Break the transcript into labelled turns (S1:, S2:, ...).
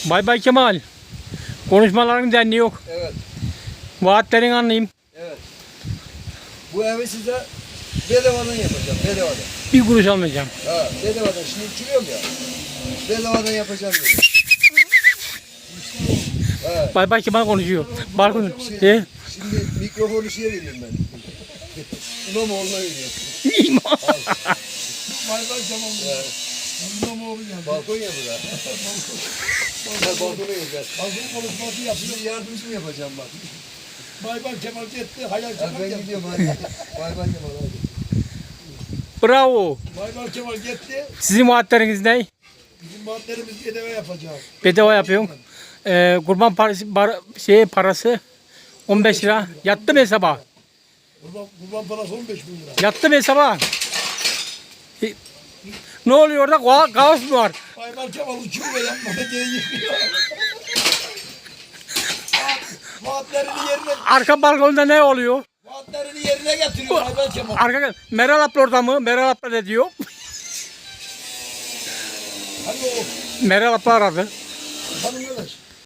S1: Bay Bay Kemal. Konuşmaların denli yok.
S2: Evet.
S1: Vaatlerini anlayayım.
S2: Evet. Bu evi size bedavadan yapacağım. Bedavadan.
S1: Bir kuruş almayacağım.
S2: Ha, bedavadan. Şimdi uçuruyorum ya. Bedavadan yapacağım dedim. Evet.
S1: Bay Bay Kemal konuşuyor. Balkon.
S2: Şimdi mikrofonu şeye veriyorum ben. İmamoğlu'na veriyorum.
S1: İmam.
S3: Bay bay tamam. İmamoğlu geldi.
S2: Balkon ya bura. Balkona geleceğiz.
S3: Balkon konuşması yapıyor.
S2: Şimdi yardımcı mı yapacağım bak.
S3: Bay bay Kemal gitti. Hayal
S2: Ha,
S3: Kemal
S2: ben
S3: geldi.
S2: gidiyorum hadi. Bay bay Kemal hadi.
S1: Bravo.
S3: Bay bay Kemal gitti.
S1: Sizin vaatleriniz ne?
S3: Bizim maddelerimiz bedava yapacağız.
S1: Bedava yapıyorum. Kurban parası 15 lira. Yattı mı hesaba?
S3: Kurban parası 15 bin lira.
S1: Yattı mı hesaba? Ne oluyor orada? Kaos mu var?
S3: Bay bay Kemal uçuyor ve yapmada geri yıkıyor. Vaatlerini yerine,
S1: Arka balkonda ne oluyor?
S3: vaatlerini yerine getiriyor Bay bay Kemal.
S1: Arka Meral abla orada mı? Meral abla ne diyor?
S3: Hani o
S1: Meral abla aradı.
S3: hanım arkadaş.